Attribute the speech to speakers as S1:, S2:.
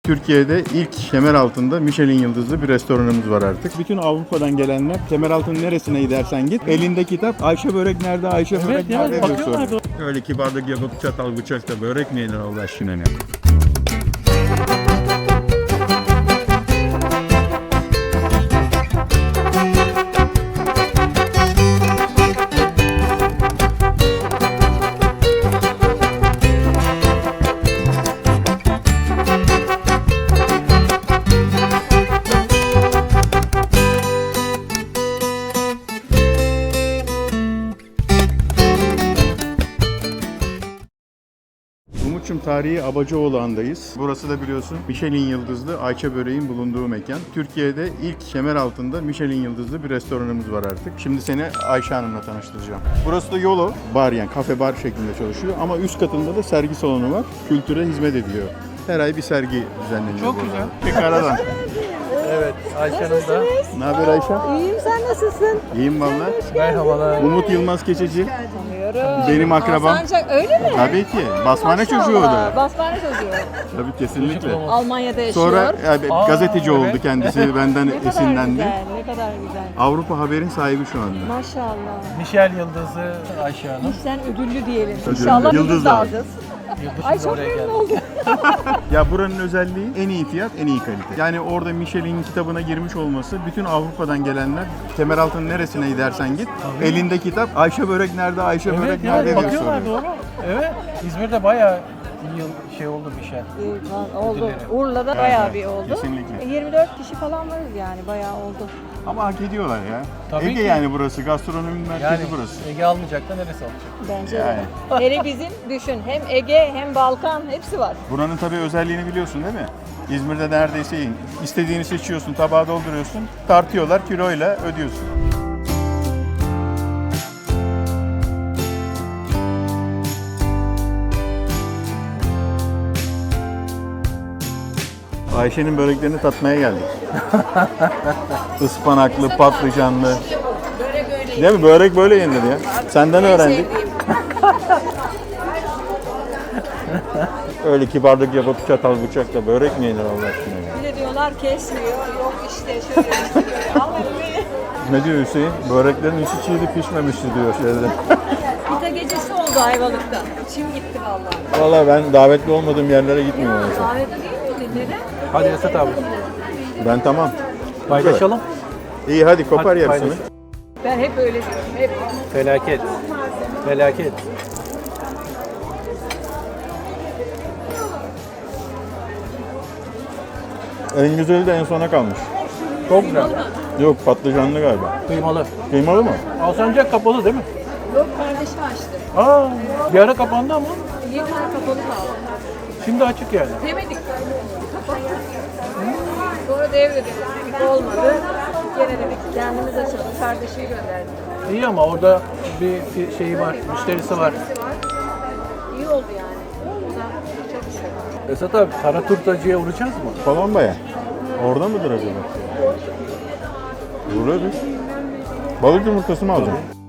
S1: Türkiye'de ilk Kemeraltı'nda Michelin yıldızlı bir restoranımız var artık. Bütün Avrupa'dan gelenler Kemeraltı'nın neresine gidersen git. Elinde kitap Ayşe börek nerede, Ayşe börek nerede diye soruyor. Öyle kibarlık yapıp çatal bıçakla börek mi yenir Allah aşkına ne? Umut'cum tarihi Abacıoğlu'ndayız. Burası da biliyorsun Michelin yıldızlı Ayça böreğin bulunduğu mekan. Türkiye'de ilk Kemeraltı'nda Michelin yıldızlı bir restoranımız var artık. Şimdi seni Ayşe Hanım'la tanıştıracağım. Burası da Yolo bar, yani kafe bar şeklinde çalışıyor ama üst katında da sergi salonu var. Kültüre hizmet ediyor. Her ay bir sergi düzenleniyor.
S2: Çok güzel.
S1: Tekrardan.
S2: Evet, Ayşe Hanım da.
S1: Ne haber Ayşe?
S3: İyiyim, sen nasılsın?
S1: İyiyim valla.
S2: Merhabalar.
S1: Umut Yılmaz Keçeci.
S3: Tanıyorum.
S1: Benim akrabam.
S3: Sancak öyle mi?
S1: Tabii ki. Basmane çocuğu o da.
S3: Basmane çocuğu.
S1: Tabii kesinlikle.
S3: Almanya'da yaşıyor.
S1: Sonra gazeteci oldu
S2: evet.
S1: kendisi. Benden
S3: ne kadar
S1: esinlendi.
S3: güzel, ne kadar güzel.
S1: Avrupa Haber'in sahibi şu anda.
S3: Maşallah.
S2: Michel Yıldızı Ayşe Hanım.
S3: İşten ödüllü diyelim.
S1: Ödüllü.
S3: İnşallah
S1: Yıldız
S3: yıldız
S1: da
S3: da
S1: var.
S3: alacağız.
S2: Yıldız
S3: Ay
S2: şimdi
S3: çok
S2: oraya
S3: memnun
S2: geldi.
S3: oldum.
S1: Ya buranın özelliği en iyi fiyat, en iyi kalite. Yani orada Michelin kitabına girmiş olması, bütün Avrupa'dan gelenler Kemeraltı'nın neresine gidersen git, elinde kitap Ayşe börek nerede, Ayşe börek
S2: Evet,
S1: nerede
S2: yani
S1: diye
S2: bakıyorlar
S1: soruyor.
S2: doğru. Evet, İzmir'de bayağı yıl şey oldu Michel.
S3: Oldu.
S2: Ödülleri.
S3: Urla'da bayağı bir oldu.
S1: Kesinlikle.
S3: 24 kişi falan varız yani, bayağı oldu.
S1: Ama hak ediyorlar ya.
S2: Tabii
S1: Ege
S2: ki.
S1: yani burası, gastronomi merkezi
S2: Yani
S1: burası.
S2: Ege almayacak da neresi alacak?
S3: Bence
S1: Yani.
S3: de. Hele bizim düşün, hem Ege hem Balkan hepsi var.
S1: Buranın tabii özelliğini biliyorsun değil mi? İzmir'de neredeyse istediğini seçiyorsun, tabağa dolduruyorsun, tartıyorlar, kiloyla ödüyorsun. Ayşe'nin böreklerini tatmaya geldik. Ispanaklı, patlıcanlı. Değil mi? Börek böyle yenir ya. Senden öğrendik. Öyle kibarlık yapıp çatal bıçakla börek mi yenir Allah aşkına ya?
S3: Bir de diyorlar kesmiyor, yok işte şöyle işte böyle. Almadım beni.
S1: Ne diyor Hüseyin? Böreklerin içi çiğdi pişmemişti diyor şeyde.
S3: Pizza gecesi oldu Ayvalık'ta. İçim gitti vallahi.
S1: Vallahi ben davetli olmadığım yerlere gitmiyorum. mesela.
S3: Davetli değil mi? Neden?
S2: Hadi Esat abi.
S1: Ben tamam.
S2: Paylaşalım.
S1: İyi hadi kopar
S2: Hadi
S1: yarısını.
S2: paylaş.
S3: Ben hep öyle diyorum. Hep.
S2: Felaket. Felaket.
S1: En güzeli de en sona kalmış.
S2: Çok güzel.
S1: Yok patlıcanlı galiba.
S2: Kıymalı.
S1: Kıymalı mı?
S2: Alsancak kapalı değil mi?
S3: Yok, kardeşim açtı.
S2: Aa, bir ara kapandı ama
S3: Bir tane kapalı kaldı.
S2: şimdi açık yani.
S3: Demedik. Kapattık. Sonra devredik. Olmadı. Gene dedik kendimiz açalım. Kardeşi gönderdik.
S2: İyi ama orada bir şeyi var, müşterisi var.
S3: İyi oldu yani. O da çok güzel.
S2: Esat abi, kara turtacıya uğrayacağız mı?
S1: Kolombaya. Orada mıdır acaba? Uğrarız. Balık yumurtası mı alacaksın?